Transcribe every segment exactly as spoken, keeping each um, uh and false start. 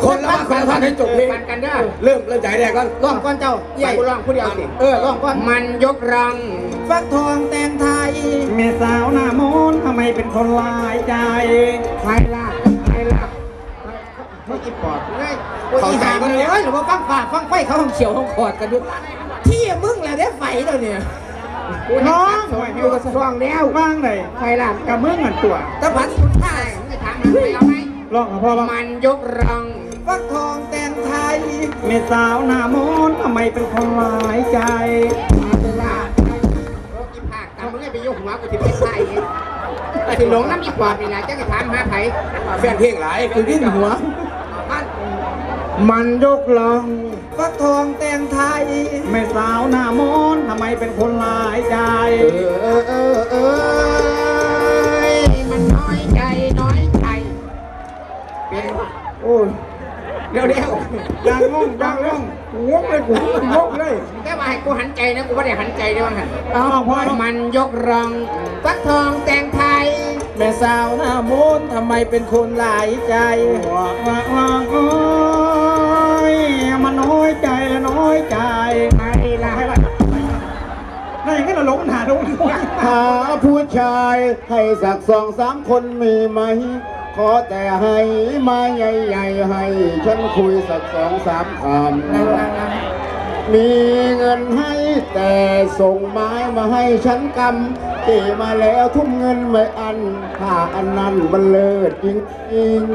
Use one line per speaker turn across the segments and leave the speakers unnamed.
คนละคนละให้จบเพลงกันเด้อเริ่มเริ่มใจแรกก่อน
ร้องก่อนเจ้าใหญ่
ร้องผู้เดียวสิ
เออร้องก่อน
มันยกรัง
ฟักทองแตงไทย
เมสาวหน้ามนทำไมเป็นคนลายใจ
ใครล่ะใครล่ะไม่กินปอดเลย
เขาใจมันเลยหรือว่าฟังฝ่าฟังไฟเขาห้องเขียวห้องขอดกันด้วยที่มึงแหละได้ไฟแล้วเนี่ย
น้องอยู่กับช่วงแล้ว
ว่างเลย
ใครล่ะ
กับมึงเหมือนตัว
ตะพันสุดท้าย
ไม่ถามมันไปเอาไหม
ร้องกับพ่อว่า
มันยกรัง
ฟักทองแตงไทย
เมสาวหน้ามนทำไมเป็นคนลายใจ
มาเวลาโอ้กินผักตามมึงให้ไปยกหัวกูที่เป็นไทยแต่ถึงหลงน้ำอีกกว่านี่นะจะกระถามหาไผ่แฟนเพลงหลายคือดิ้นหัวมันยกลัง
ฟักทองแตงไทย
เมสาวหน้ามนทำไมเป็นคนลายใจ
เออเออเออมันน้อยใจน้อยใจเป็นโอ้ยเดี๋ยวเดี๋ยว
ดังงงดังงง
งงเลยกูงงเลยแค่มาให้กูหันใจนะกูไม่ได้หันใจได้บ้างหัน
อ้าวพ่อ
มันยกรังฟักทองแตงไทย
แม่สาวหน้ามนทำไมเป็นคนหลายใจ
ว่าว่าว่าโอ้ยมันน้อยใจและน้อยใจ
ใครล่ะให้ล่ะ
นั่นอย่างนี้เราหลงหาดู
หาผู้ชายให้สักสองสามคนมีไหมขอแต่ให้มาใหญ่ๆให้ฉันคุยสักสองสามคำมีเงินให้แต่ส่งไม้มาให้ฉันกำเกมาแล้วทุ่มเงินไม่อันถ้าอันนั้นมันเลิศจริง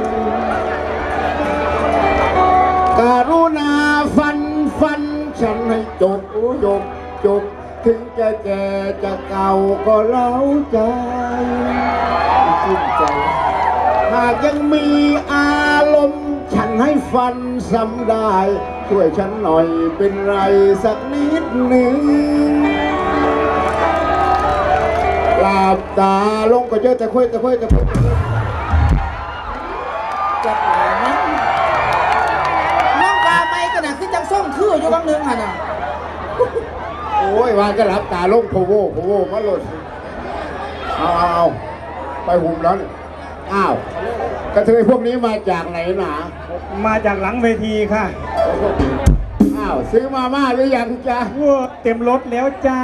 ๆการุณาฟันฟันฉันให้จบจบจบถึงจะแก่จะเก่าก็เล้าใจชื่นใจหากยังมีอารมณ์ฉันให้ฟันซ้ำได้ช่วยฉันหน่อยเป็นไรสักนิดหนึ่งหลับตาลงก็เจอแต่คุยแต่คุยแต่คุย
จับหางนะน้องปลาไปกันนะคือจังส่งคืออยู่บางนึงอ่ะน่ะ
โอ้ยวานก็หลับตาลงโผล่โผล่มาหล่นเอาเอาไปหุ่มแล้วอ้าวกระเทยพวกนี้มาจากไหนหนา
มาจากหลังเวทีค่ะ
อ้าวซื้อมาม่าหรือยังจ๊ะ
ว้าเต็มรถแล้วจ้า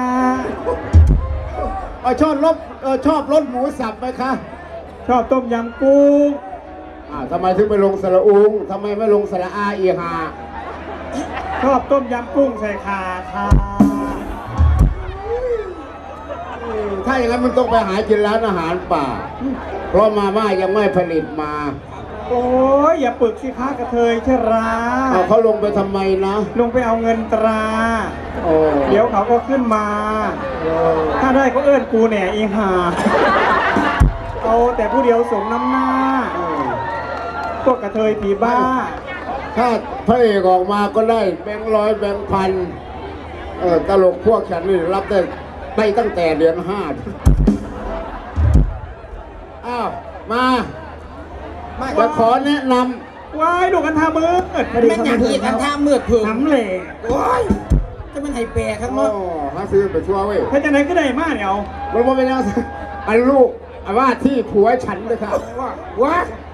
เออชอบรสเออชอบรสหมูสับไหมคะ
ชอบต้มยำกุ้ง
อ้าวทำไมถึงไปลงสระอุงทำไมไม่ลงสระอาอีหา
ชอบต้มยำกุ้งใส่ขาค่ะ
ถ้าอย่างนั้นมันต้องไปหากินร้านอาหารป่าเพราะมาม่ายังไม่ผลิตมา
โอ้ยอย่าปึกสิคะกระเทยเชรา
เขาลงไปทำไมนะ
ลงไปเอาเงินตรา
โอ้
เดี๋ยวเขาก็ขึ้นมาถ้าได้ก็เอื้อนกูแหน่อีห่าเอาแต่ผู้เดียวสมน้ำหน้าพวกกระเทยผีบ้า
ถ้าพระเอกออกมาก็ได้แบงค์ร้อยแบงค์พันเออตลกพวกฉันนี่รับได้ไปตั้งแต่เดือนห้าอ้าวมาจะขอแนะน
ำว้ายดูกันทามืด
แม่งอย่างนี้กันทามืดถึง
น้ำเหล่
โอ้ยจะมันไห้แปรครับ
เนาะฮะซื้อไปชัวร์เว้ย
ถ้าจะไหนก็ได้มากเนี่ยเอา
มันว่าเป็นยังอันลูกว่าที่ผัวฉันเลยครับว่า